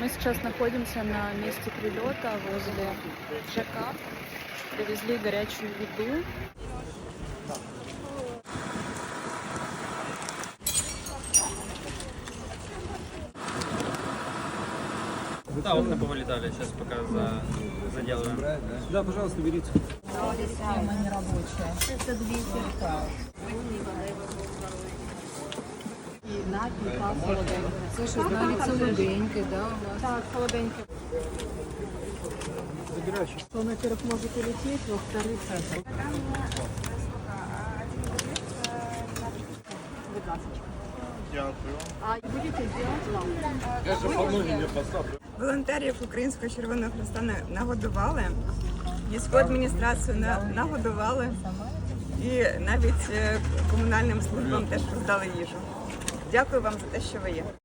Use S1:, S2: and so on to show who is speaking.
S1: Мы сейчас находимся на месте прилета возле ЖК. Привезли горячую еду.
S2: Да, окна повылетали, сейчас пока заделываем. Да, пожалуйста, берите.
S3: Система нерабочая. Это 200 литров. І напій, та солоденька. Це щось навіть солоденьке, да, у вас?
S1: Так, холоденько.
S2: Забирай.
S1: Он, во-первых, может улететь, во-вторых, А будете делать вам?
S4: Волонтерів Українського Червоного Хреста нагодували, військову адміністрацію нагодували і навіть комунальним службам теж роздали їжу. Дякую вам за те, що ви є.